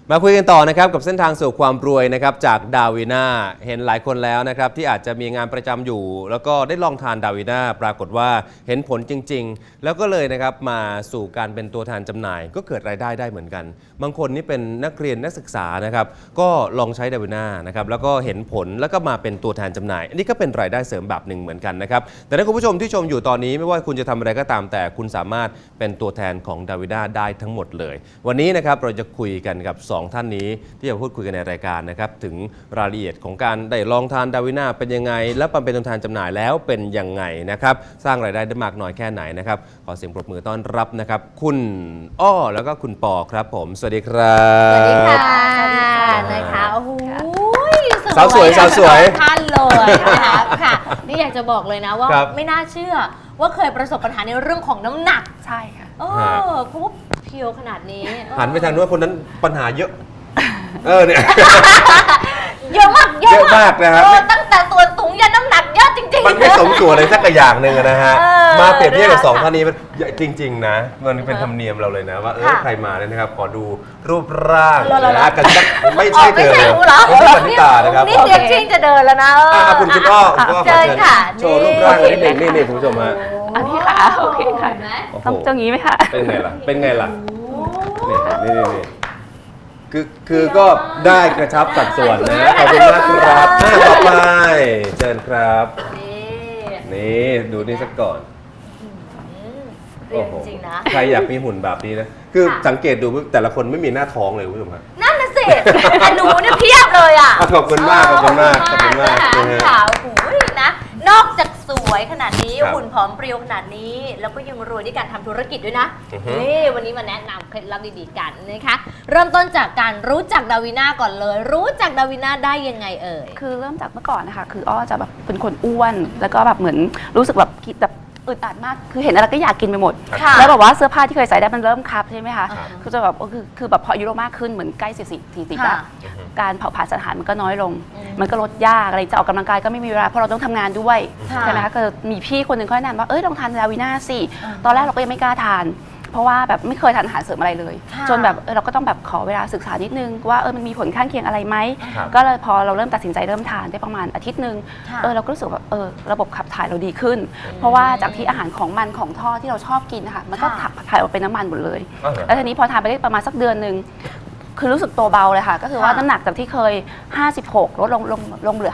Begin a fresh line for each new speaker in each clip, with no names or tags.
มาคุยกันต่อนะครับกับเส้นทางสู่ความรวยนะครับจากดาวิน่าเห็นหลายคนแล้วนะครับที่อาจจะมีงานประจำอยู่แล้วก็ได้ลองทานดาวิน่าปรากฏว่าเห็นผลจริงๆแล้วก็เลยนะครับมาสู่การเป็นตัวแทนจำหน่ายก็เกิดรายได้ได้เหมือนกันบางคนนี่เป็นนักเรียนนักศึกษานะครับก็ลองใช้ดาวิน่านะครับแล้วก็เห็นผลแล้วก็มาเป็นตัวแทนจำหน่ายอันนี้ก็เป็นรายได้เสริมแบบหนึ่งเหมือนกันนะครับแต่ถ้าคุณผู้ชมที่ชมอยู่ตอนนี้ไม่ว่าคุณจะทำอะไรก็ตามแต่คุณสามารถเป็นตัวแทนของดาวิน่าได้ทั้งหมดเลยวันนี้นะครับเราจะคุยกันกับ2ท่านนี้ที่จะพูดคุยกันในรายการนะครับถึงรายละเอียดของการได้ลองทานดาวิน่าเป็นยังไงและมาเป็นตัวแทนจำหน่ายแล้วเป็นยังไงนะครับสร้างรายได้ได้มากน้อยแค่ไหนนะครับขอเสียงปรบมือต้อนรับนะครับคุณอ้อแล้วก็คุณปอครับผมสวัสดีครับ
สวัสดีค่ะนะคะโอ้โห
สาวสวย
ท่านเลยนะคะค่ะนี่อยากจะบอกเลยนะว่าไม่น่าเชื่อว่าเคยประสบปัญหาในเรื่องของน้ำหนัก
ใช่ค่ะ
เพราะว่าเพียวขนาดนี้
หันไปทางนู้นคนนั้นปัญหาเยอะเนี่ย
เยอะมาก
นะครับ
ตั้งแต่ส่วนสูงยันน้ำหนักเยอะจริงๆ
มันไม่สมส่วนเลยสักอย่างหนึ่งนะฮะมาเปรียบเทียบกับ2ท่านนี้จริงๆนะมันเป็นธรรมเนียมเราเลยนะว่าใครมาเนี่ยนะครับขอดูรูปร่างนะกันไม่ใช่เธอไม่ใช่ปณิตานะครับ
นี่เตรียมชิงจะเดินแล้วนะ
คุณก็
เชิญค่ะ
โชว์รูปร่างนิดหนึ่งนี่คุณผู้ชมฮะ
อันนี้ค่ะโอเคค่ะต้องเจ้างี้ไหมคะ
เป็นไงล่ะนี่คือก็ได้กระชับสัดส่วนนะขอบคุณมากครับต่อไปเชิญครับนี่ดูนี่สักก่อน
เรียนจริงนะ
ใครอยากมีหุ่นแบบนี้นะคือสังเกตดูแต่ละคนไม่มีหน้าท้องเลยคุณผู้ชมครับ
นั่นน่ะสิแต่หนูเนี่ยเพียบเลยอ่ะ
ขอบคุณมาก
ค่ะโอ้โหนะนอกจากสวยขนาดนี้หุ่นผอมเปรี้ยวขนาดนี้แล้วก็ยังรวยด้วยการทำธุรกิจด้วยนะนี่วันนี้มาแนะนำเคล็ดลับดีๆกันนะคะเริ่มต้นจากการรู้จักดาวิน่าก่อนเลยรู้จักดาวิน่าได้ยังไงเอ่ย
คือเริ่มจากเมื่อก่อนนะคะคืออ้อจะแบบเป็นคนอ้วนแล้วก็แบบเหมือนรู้สึกแบบคิดแบบอึดอัดมากคือเห็นอะไรก็อยากกินไปหมดแล้วแบบว่าเสื้อผ้าที่เคยใส่ได้มันเริ่มคับใช่ไหมคะคือจะแบบคือแบบพออายุเรามากขึ้นเหมือนใกล้40แล้วการเผาผลาญสถานมันก็น้อยลงมันก็ลดยากอะไรจะออกกำลังกายก็ไม่มีเวลาเพราะเราต้องทำงานด้วยใช่ไหมคะก็มีพี่คนหนึ่งเขาแนะนำว่าลองทานดาวิน่าสิตอนแรกเราก็ยังไม่กล้าทานเพราะว่าแบบไม่เคยทานอาหารเสริมอะไรเลยจนแบบเราก็ต้องแบบขอเวลาศึกษานิดนึงว่ามันมีผลข้างเคียงอะไรไหมก็เลยพอเราเริ่มตัดสินใจเริ่มทานได้ประมาณอาทิตย์นึงเราก็รู้สึกว่าระบบขับถ่ายเราดีขึ้นเพราะว่าจากที่อาหารของมันของทอดที่เราชอบกินนะคะมันก็ขับถ่ายออกเป็นน้ำมันหมดเลยแล้วทีนี้พอทานไปได้ประมาณสักเดือนนึงคือรู้สึกตัวเบาเลยค่ะก็คือว่าน้ำหนักจากที่เคย56ลดลงเหลือ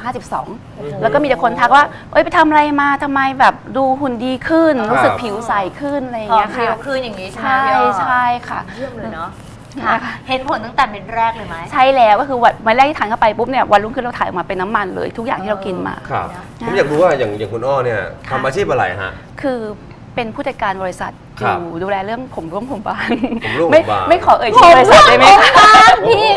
52แล้วก็มีแต่คนทักว่าไปทำอะไรมาทำไมแบบดูหุ่นดีขึ้นรู้สึกผิวใสขึ้นอะไรอย่างเงี้ยค่ะ
ขึ้นอย่างนี้ใช่ไหม
ใช่ค่ะ
เยี่ยมเลยเนาะเห็นผลตั้งแต่เป็นแรกเลยไหม
ใช่แล้วก็คือวันแรกที่ทานเข้าไปปุ๊บเนี่ยวันรุ่งขึ้นเราถ่ายออกมาเป็นน้ำมันเลยทุกอย่างที่เรากินมา
ครับผมอยากรู้ว่าอย่างคุณอ้อเนี่ยทำอาชีพอะไรฮะ
คือเป็นผู้จัดการบริษัทอยู่ดูแลเรื่องผมร่วงผมบาง
ไม่
ขอชื่อบริษัทได้ไหม
พี่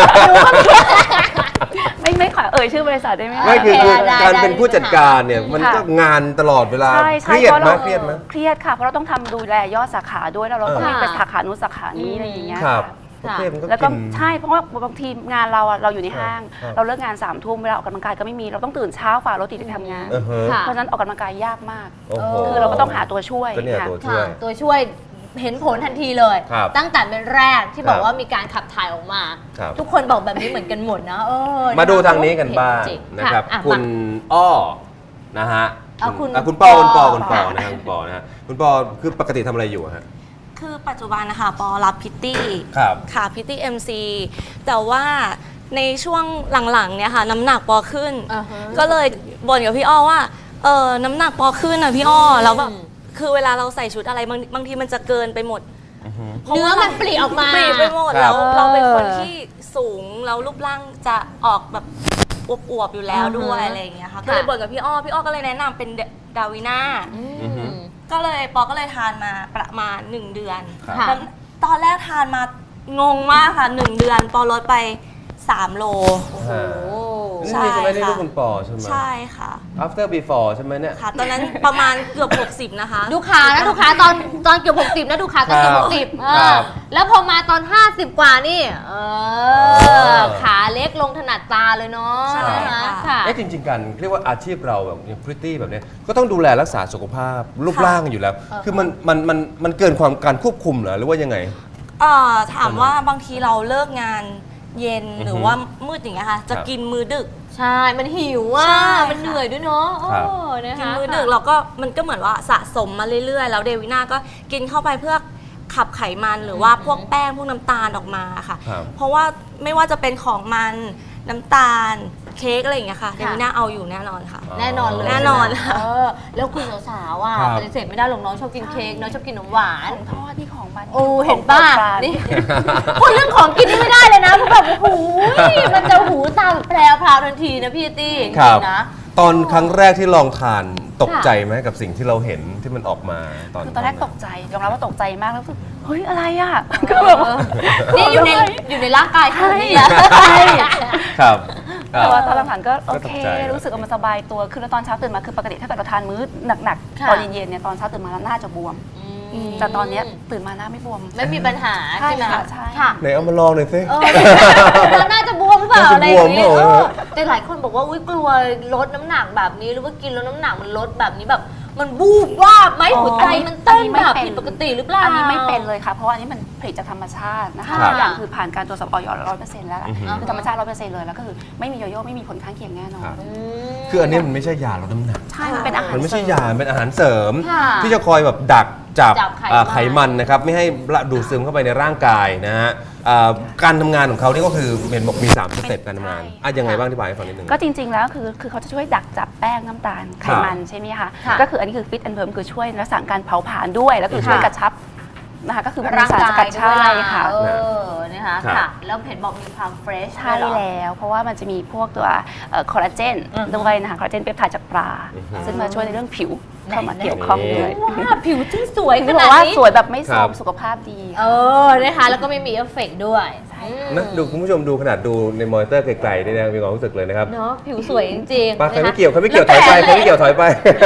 ไม่ขอชื่อบริษัทได้ไหม
ไม่คือการเป็นผู้จัดการเนี่ยมันก็งานตลอดเวลาเครียดไหมเค
รียดค่ะเพราะเราต้องทำดูแลยอดสาขาด้วยแล้วเราต้องมีไปสาขานู้นสาขานี้อะไรอย่างเงี้ยแล้วก็ใช่เพราะว่าบางทีงานเราอยู่ในห้างเราเลิกงาน3 ทุ่มเวลาออกกำลังกายก็ไม่มีเราต้องตื่นเช้าฝ่ารถติดไปทำงานเพราะฉะนั้นออกกำลังกายยากมากคือเราก็ต้องหาตัวช่วย
ตัวช่วยเห็นผลทันทีเลยตั้งแต่เป็นแรกที่บอกว่ามีการขับถ่ายออกมาทุกคนบอกแบบนี้เหมือนกันหมดนะ
มาดูทางนี้กันบ้างนะครับคุณอ้อนะฮะคุณปอนะครับคุณปอนะฮะคุณปอคือปกติทำอะไรอยู่ฮะ
คือปัจจุบันนะคะปอรับพิตตี้ค่ะพิตตี้MC แต่ว่าในช่วงหลังๆเนี่ยค่ะน้ำหนักปอขึ้นก็เลยบ่นกับพี่อ้อว่าน้ำหนักปอขึ้นนะพี่อ้อแล้วแบบคือเวลาเราใส่ชุดอะไรบางทีมันจะเกินไปหมด
เนื้อมันปลีออกมา
ปลีไปหมดแล้วเราเป็นคนที่สูงแล้วรูปร่างจะออกแบบอวบๆอยู่แล้วด้วยอะไรอย่างเงี้ยค่ะก็เลยบ่นกับพี่อ้อก็เลยแนะนำเป็นดาวิน่าก็เลยปอก็เลยทานมาประมาณ1 เดือนตอนแรกทานมางงมากค่ะ1 เดือนปอลดไป3 โล
ใช่ไหมนี่ลูกคุณปอใช่ไหม
ใช่ค่ะ
after before ใช่ไหมเนี่ย
ค่ะตอนนั้นประมาณเกือบ60นะคะ
ดูขานะดูขาตอนเกือบ60นะดูขาตอนเกือบ60แล้วพอมาตอน50 กว่านี่ขาเล็กลงถนัดตาเลยเนาะ
ใช่ค่ะ
จริงๆกันเรียกว่าอาชีพเราแบบพริตตี้แบบนี้ก็ต้องดูแลรักษาสุขภาพรูปร่างอยู่แล้วคือมันเกินความการควบคุมเหรอหรือว่ายังไง
ถามว่าบางทีเราเลิกงานเย็นหรือว่ามืดอย่างเงี้ยค่ะจะกินมื้อดึก
ใช่ มันหิวอ่ะ
ใช่ค่ะ
มันเหนื่อยด้วยเนาะโอ้
ครับ
นะ
กิน
คะ
มื้อดึกเราก็มันก็เหมือนว่าสะสมมาเรื่อยๆ แล้วเดวิน่าก็กินเข้าไปเพื่อขับไขมันหรือว่าพวกแป้งพวกน้ำตาลออกมาค่ะ
ครับ
เพราะว่าไม่ว่าจะเป็นของมันน้ำตาลเค้กอะไรอย่างเงี้ยค่ะเดวิน่าเอาอยู่แน่นอนค่ะ
แน่นอนเลย
แน่นอน
ใช่ไหมแล้วคุณสาวๆอ่ะ
ครับ
ปฏิเสธไม่ได้หรอกน้องชอบกินเค้กน้องชอบกินขนมหวาน
ของทอดที่ของมัน
โอ้เห็นป่ะ
ของโปรดปราน
นี่ พูดเรื่องของกินนี่ไม่ได้เลยนะเพราะแบบโอ้โหมันจะหูตาแพรวพราวทันทีนะพี่ตี้
ครับ
จงๆนะ
ตอนครั้งแรกที่ลองทานตกใจไหมกับสิ่งที่เราเห็นที่มันออกมาตอน
คือตอนแรกตกใจยอมรับว่าตกใจมากแล้วรู้สึกเฮ้ยอะไรอ่ะก็แบบ
นี่อยู่ในร่างกายขนาดนี้
ใช่
แล้ว
ครับครั
แต่
บ
ว่าตอนหลังๆก็โอเค
ก็ตกใจนะ
รู้สึกว่ามันสบายตัวคือแล้วตอนเช้าตื่นมาคือปกติถ้าเกิดเราทานมื้อหนัก
ค่ะ
ๆตอนเย็นๆเนี่ยตอนเช้าตื่นมาแล้วหน้าจะบวม แต่ตอนเนี้ยตื่นมาหน้าไม่บวม
ไม่มีปัญหาใช่ไหม
ใช่ค่ะใช่
ค่ะ
ไหนเอามาลองหน่อยสิ
เราน่าจะบวมหรือเปล่า
น่าจะ
อะไรอย่างนี้
บวมเปล่า
แต่หลายคนบอกว่าอุ้ยกลัวลดน้ำหนักแบบนี้หรือว่ากินแล้วน้ำหนักมันลดแบบนี้แบบมันบูบว่าบไหมหัวใจมันเต้นแบบผิดปกติหรือเปล่า
อันนี้ไม่เป็นเลยค่ะ เพราะว่าอันนี้มันผลิตจากธรรมชาตินะคะ
ค่ะ
ทุกอย่างคือผ่านการตรวจสอบออย100%แล้วล่ะ
อือฮึ
คือธรรมชาติ100%เลยแล้วก็คือไม่มีโยโย่ไม่มีผลข้างเคียงแน่นอน
ครับ คืออันนี้มันไม่ใช่ยาลดน้ำหนัก
ใช่มันเป็นอาหาร
มันไม่ใช่
เสริ
ยามันเป็นอาหารเสริม
ค่ะ
ที่จะคอยแบบดักจับ
จับไขมัน
ไขมันนะครับไม่ให้ดูดซึมเข้าไปในร่างกายนะฮะการทำงานของเขานี่ก็คือเห็นบอกมี3สเต็ปการทำงานยังไงบ้างอธิบายให้ฟังนิดนึง
ก็จริงๆ แล้วคือเขาจะช่วยดักจับแป้งน้ำตาลไขมันใช่ไหมคะ
ค่ะ
ก็คืออันนี้คือฟิตแอนด์เพิ่มคือช่วยรักษาการเผาผลาญด้วย แล้วคือช่วย
ค่ะ
กระชับนะคะก็คือมันมี
ร่าง
สาร
กา
สกั
ย
ด
ด้ว
ใช่
ย
ค่ะ
นะคะ
ครับ
ค่ะ แล้วเห็นบอกมีความเฟรช
ใช่แล้ว เพราะว่ามันจะมีพวกตัวคอลลาเจนด้วยนะคะคอลลาเจนเปปไทด์จากปลา ซึ่งมาช่วยในเรื่องผิวเข้ามาเกี่ยวข้องด้วย
ว้าผิวที่สวยข
คือ
นา
บอ
ด
กว่า
นี้
สวยแบบไม่โทร
ครั
ม
บ
สุขภาพดี
นะคะแล้วก็ไม่มีเอฟเฟกต์ด้วย
นะดูคุณผู้ชมดูขนาดดูในมอนิเตอร์ไกลๆนี่นะมีความรู้สึกเลยนะครับ
เนาะผิวสวยจริงๆ
ปาใคร
นะคะ
ไม่เกี่ยวใครไม่เกี่ยวถอยไปใครไม่เกี่ยวถอยไป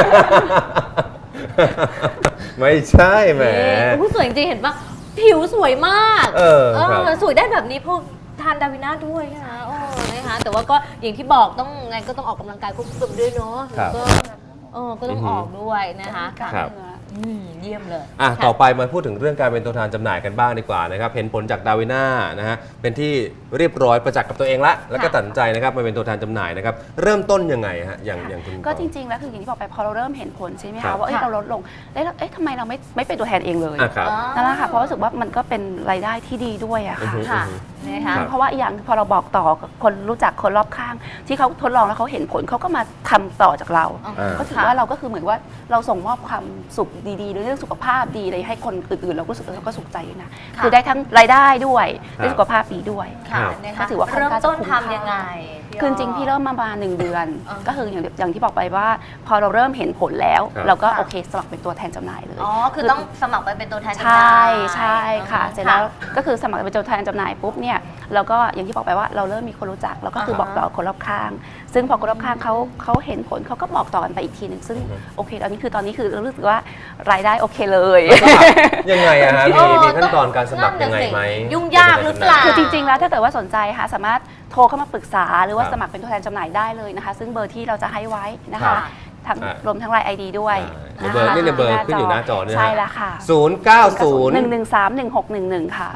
ไม่ใช่แหม
โอ้โหสวยจริงๆเห็นปะผิวสวยมาก
ครับ
สวยได้แบบนี้เพราะทานดาวิน่าด้วยนะคะโอ้นะคะแต่ว่าก็อย่างที่บอกต้องไงก็ต้องออกกำลังกายควบคู่กันด้วยเนาะ
ครับ
แล้วก็ต้องออกด้วยนะคะค่ะ
ครับ
เยี่ยมเลย
อ่ะ
ค่ะ
ต่อไปมาพูดถึงเรื่องการเป็นตัวแทนจำหน่ายกันบ้างดีกว่านะครับเห็นผลจากดาวิน่านะฮะเป็นที่เรียบร้อยประจักษ์กับตัวเองละแล้วก็ตัดสินใจนะครับมาเป็นตัวแทนจำหน่ายนะครับเริ่มต้นยังไงฮะอย่างคุณ
ก็จริงๆ แล้วคืออย่างที่บอกไปพอเราเริ่มเห็นผลใช่ไหม
ครั
คะ
บ
ว่าเอ้ย
ค่ะ
เราลดลงแล้วเอ๊ะทำไมเราไม่เป็นตัวแทนเองเลย
อ่ะครับ
นั่นแหละค่ะเพราะรู้สึกว่ามันก็เป็นรายได้ที่ดีด้วยอะ
อือ
ค่ะ
ฮึ
ค่ะนะคะ
ครับ
เพราะว่าอีกอย่างคือพอเราบอกต่อกับคนรู้จักคนรอบข้าง ที่เขาทดลองแล้วเขาเห็นผลเขาก็มาทำต่อจากเรา
อ่า
ก็ถือว่าเราก็คือเหมือนว่าเราส่งมอบความสุขดีๆหรือเรื่องสุขภาพดีอะไรให้คนอื่นๆ เราก็รู้สึกเราก็สุขใจนะ
ค่ะ
คือได้ทั้งรายได้ด้วย
ครับ
ได้สุขภาพดีด้วย
ค่ะ
ครับ
นะคะ
ก็ถือว่าค่อน
เริ่ม
ข้างจะ
ต้น
คุ้มค่า
ทำยังไง
คือจริงๆพี่เริ่มมาประมาณ1 เดือน
อ่า
ก็คืออย่างที่บอกไปว่า พอเราเริ่มเห็นผลแล้ว
ครับ
เราก็
ค่ะ
โอเคสมัครเป็นตัวแทนจำหน่ายเลย
อ๋อคือต้องสมัครไปเป็นตัวแทนจำห
ใช
น่า
่
ย
ใช่ค่ะ เสร็จแล้วก็คือสมัครเป็นตัวแทนจำหน่ายปุ๊บเนี่ยเราก็อย่างที่บอกไปว่าเราเริ่มมีคนรู้จักเราก็คือบอกต่อคนรอบข้าง ซึ่งพอคนรอบข้างเขาเห็นผลเขาก็บอกต่อกันไปอีกทีหนึ่งซึ่งโอเคตอนนี้คือเรารู้สึกว่ารายได้โอเคเลย
ยังไงอะฮะ
โอ้
มีขั้นตอนการสมัครยังไงไหม
ยุ่งยากหรือเปล่า
คือจริงๆ แล้วถ้าเกิดว่าสนใจค่ะสามารถโทรเข้ามาปรึกษาหรือว่า
ครับ
สมัครเป็นตัวแทนจำหน่ายได้เลยนะคะ ซึ่งเบอร์ที่เราจะให้ไว้นะ
ครั
คะ
บ
ทั้ง
อ่ะ
รวมทั้งไลน์ ID ด้วย
ในเบอร์นี่ในเบอร์ขึ้นอยู่หน้าจอเนี่ย
ใช่แล้วค่ะ
090
1131611 ค่ะ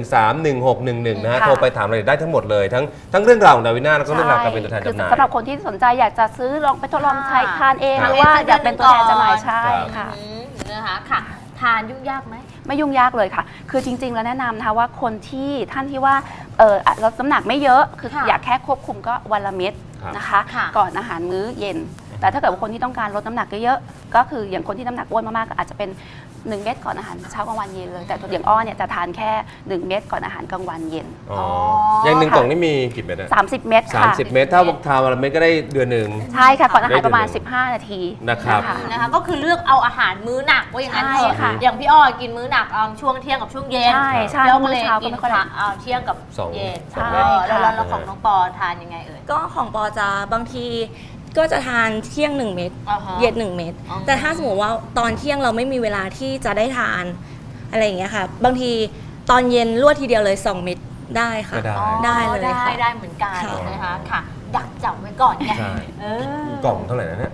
1131611นะฮะ
ค่ะ
โทรไปถามรายละเอียดได้ทั้งหมดเลยทั้งเรื่องราวของดาวิน่าแล้วก็เรื่องราวการเป็นตัวแทน
คือ
จำหน่าย
สำหรับคนที่สนใจอยากจะซื้อลองไปทดลองใช้
ค่ะ
ทานเอง
ครั
ห
บ
รือว่าอยากเป็นตัวแทนจำหน่าย
ครับ
ใช่ค่ะ
นะคะค่ะทานยุ่งยากไหม
ไม่ยุ่งยากเลยค่ะ คือจริง ๆ แล้วแนะนำนะคะว่าคนที่ท่านที่ว่าลดน้ำหนักไม่เยอะ คือ
ค่ะ
อยากแค่ควบคุมก็วันละเม็ด
ครับ
นะคะ
ค่ะ
ก่อนอาหารมื้อเย็น แต่ถ้าเกิดว่าคนที่ต้องการลดน้ำหนักเยอะๆก็คืออย่างคนที่น้ำหนักอ้วนมากๆก็อาจจะเป็น 1 เม็ดก่อนอาหารเช้ากลางวันเย็นเลย แต่อย่างอ้อเนี่ยจะทานแค่ 1 เม็ดก่อนอาหารกลางวันเย็น
อ๋ออย่างหนึ่งกล่องนี่มีกี่เม็ดอะ
30 เม็ดค่ะ
30 เม็ดถ้าทานวันละเม็ดก็ได้เดือนหนึ่ง
ใช่ค่ะก่อนอาหารประมาณ
ได้เดือนหนึ่ง
15 นาที
นะครับ
นะคะก็คือเลือกเอาอาหารมื้อหนักว่าอย่างนั้นเถ
ใช่
อะ
ค่ะ
อย่างพี่อ้อกินมื้อหนักช่วงเที่ยงกับช่วงเย็น
ใช่ใช่
แล้ว
เพราะมื้
ก็เล
อย เช้าก็
กิน
ไม่ค่อยได้
เที่ยงกับ
สอง
เย็น
ใช่
แล้ว
ค่ะ
ของน้องปอทานยังไงเอ่ย
ก็ของปอจะบางทีก็จะทานเที่ยง 1 เม็ด
อ่าฮะ
เย็น1 เม็ด
อ๋อ
แต่ถ้าสมมติว่าตอนเที่ยงเราไม่มีเวลาที่จะได้ทานอะไรอย่างเงี้ยค่ะ บางทีตอนเย็นรวดทีเดียวเลย 2 เม็ดได้ค่ะ
ก็ได้
ได้เลยค่ะ
ได้เหมือนกัน
ค่ะ
นะคะค่ะ ดักจับไว้ก่อนไง
ใช่
เออ
กล่องเท่าไหร่นะเนี่ย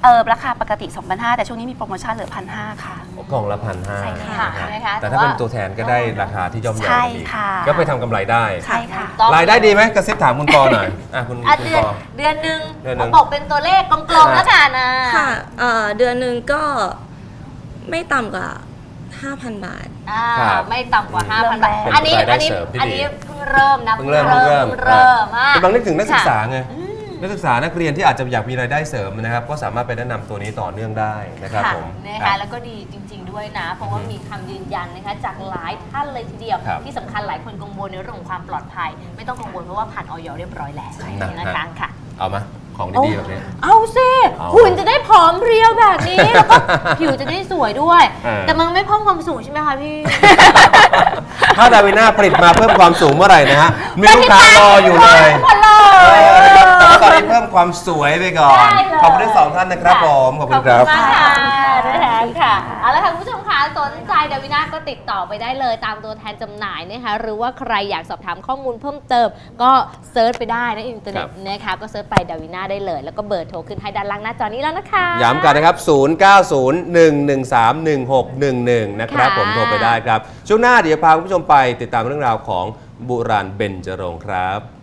ราคาปกติ 2,500 แต่ช่วงนี้มีโปรโมชั่นเหลือ 1,500 ค่ะ
กล่องละ1,500
ใช่ค่ะ
นะคะ
แต่ถ้าเป็นตัวแทนก็ได้ราคาที่ย่อมเยา
ใช่
อีก
ค่ะ
ก็ไปทำกำไรได้
ใช่ค่ะ
ต้อง
รายได้ดีไหมกระซิบถามคุณปอหน่อยคุณ
อ่ะ
คุณ
เดือน
ปอ
เดือนหนึ่ง
เดือนหนึ่ง
บอกเป็นตัวเลขกลมๆแล้วกันนะ
ค่ะเดือนหนึ่งก็ไม่ต่ำกว่า 5,000 บาท
ครับ
ไม่ต่ำกว่า 5,000 บาท
เป็น
อันนี้
รายได้
อันนี้
เสริมที่
อัน
ดี
นี้เพิ่งเริ่มนะ
เพิ่งเริ่ม
อ่ะ
กำลังนึกถึงนักศึกษา
ค่ะ
ไงนักศึกษานักเรียนที่อาจจะอยากมีรายได้เสริมนะครับก็สามารถไปแนะนำตัวนี้ต่อเนื่องได้นะครับผม
นะ
ครั
คะ
บ
แล้วก็ดีจริง ๆ ด้วยนะ เพราะว่ามีคำยืนยันนะคะจากหลายท่านเลยทีเดียว
ครับ
ที่สำคัญหลายคนกังวลในเรื่องของความปลอดภัย ไม่ต้องกังวลเพราะว่าผ่านออยเรียบร้อยแล้ว
นะ
นะคะค่ะ
เอามาของดีๆแบบนี้
เอาสิ
เอา
หุ่นจะได้ผอมเพรียวแบบนี้ แล้วก็ผิวจะได้สวยด้วย
เออ
แต่มันไม่เพิ่มความสูงใช่ไหมคะพี่
ถ้าดาวิน่าผลิตมาเพิ่มความสูงเมื่อไหร่นะฮะมีลูกค้ารออยู่เลย
หมดเลย
แต่ว่าตอนนี้เพิ่มความสวยไปก่อน
ได้เลย
ขอบคุณทั้งสองท่านนะครับผมขอบคุณครับ
มากค่ะนะคะค่ะเอาละค่ะคุณผู้ชมคะสนใจดาวิน่าก็ติดต่อไปได้เลยตามตัวแทนจำหน่ายนะคะหรือว่าใครอยากสอบถามข้อมูลเพิ่มเติมก็เซิร์ชไปได้นะอินเทอร์เน็ตนะคะก็เซิร์ชไปดาวิน่าได้เลย แล้วก็เบอร์โทรขึ้นให้ด้านล่างหน้าจอนี้แล้วนะคะ
ย้ำกันนะครับ 0901131611 นะครับ
ค่ะ
ผมโทรไปได้ครับ ช่วงหน้าเดี๋ยวพาคุณผู้ชมไปติดตามเรื่องราวของบุราณเบญจรงค์ครับ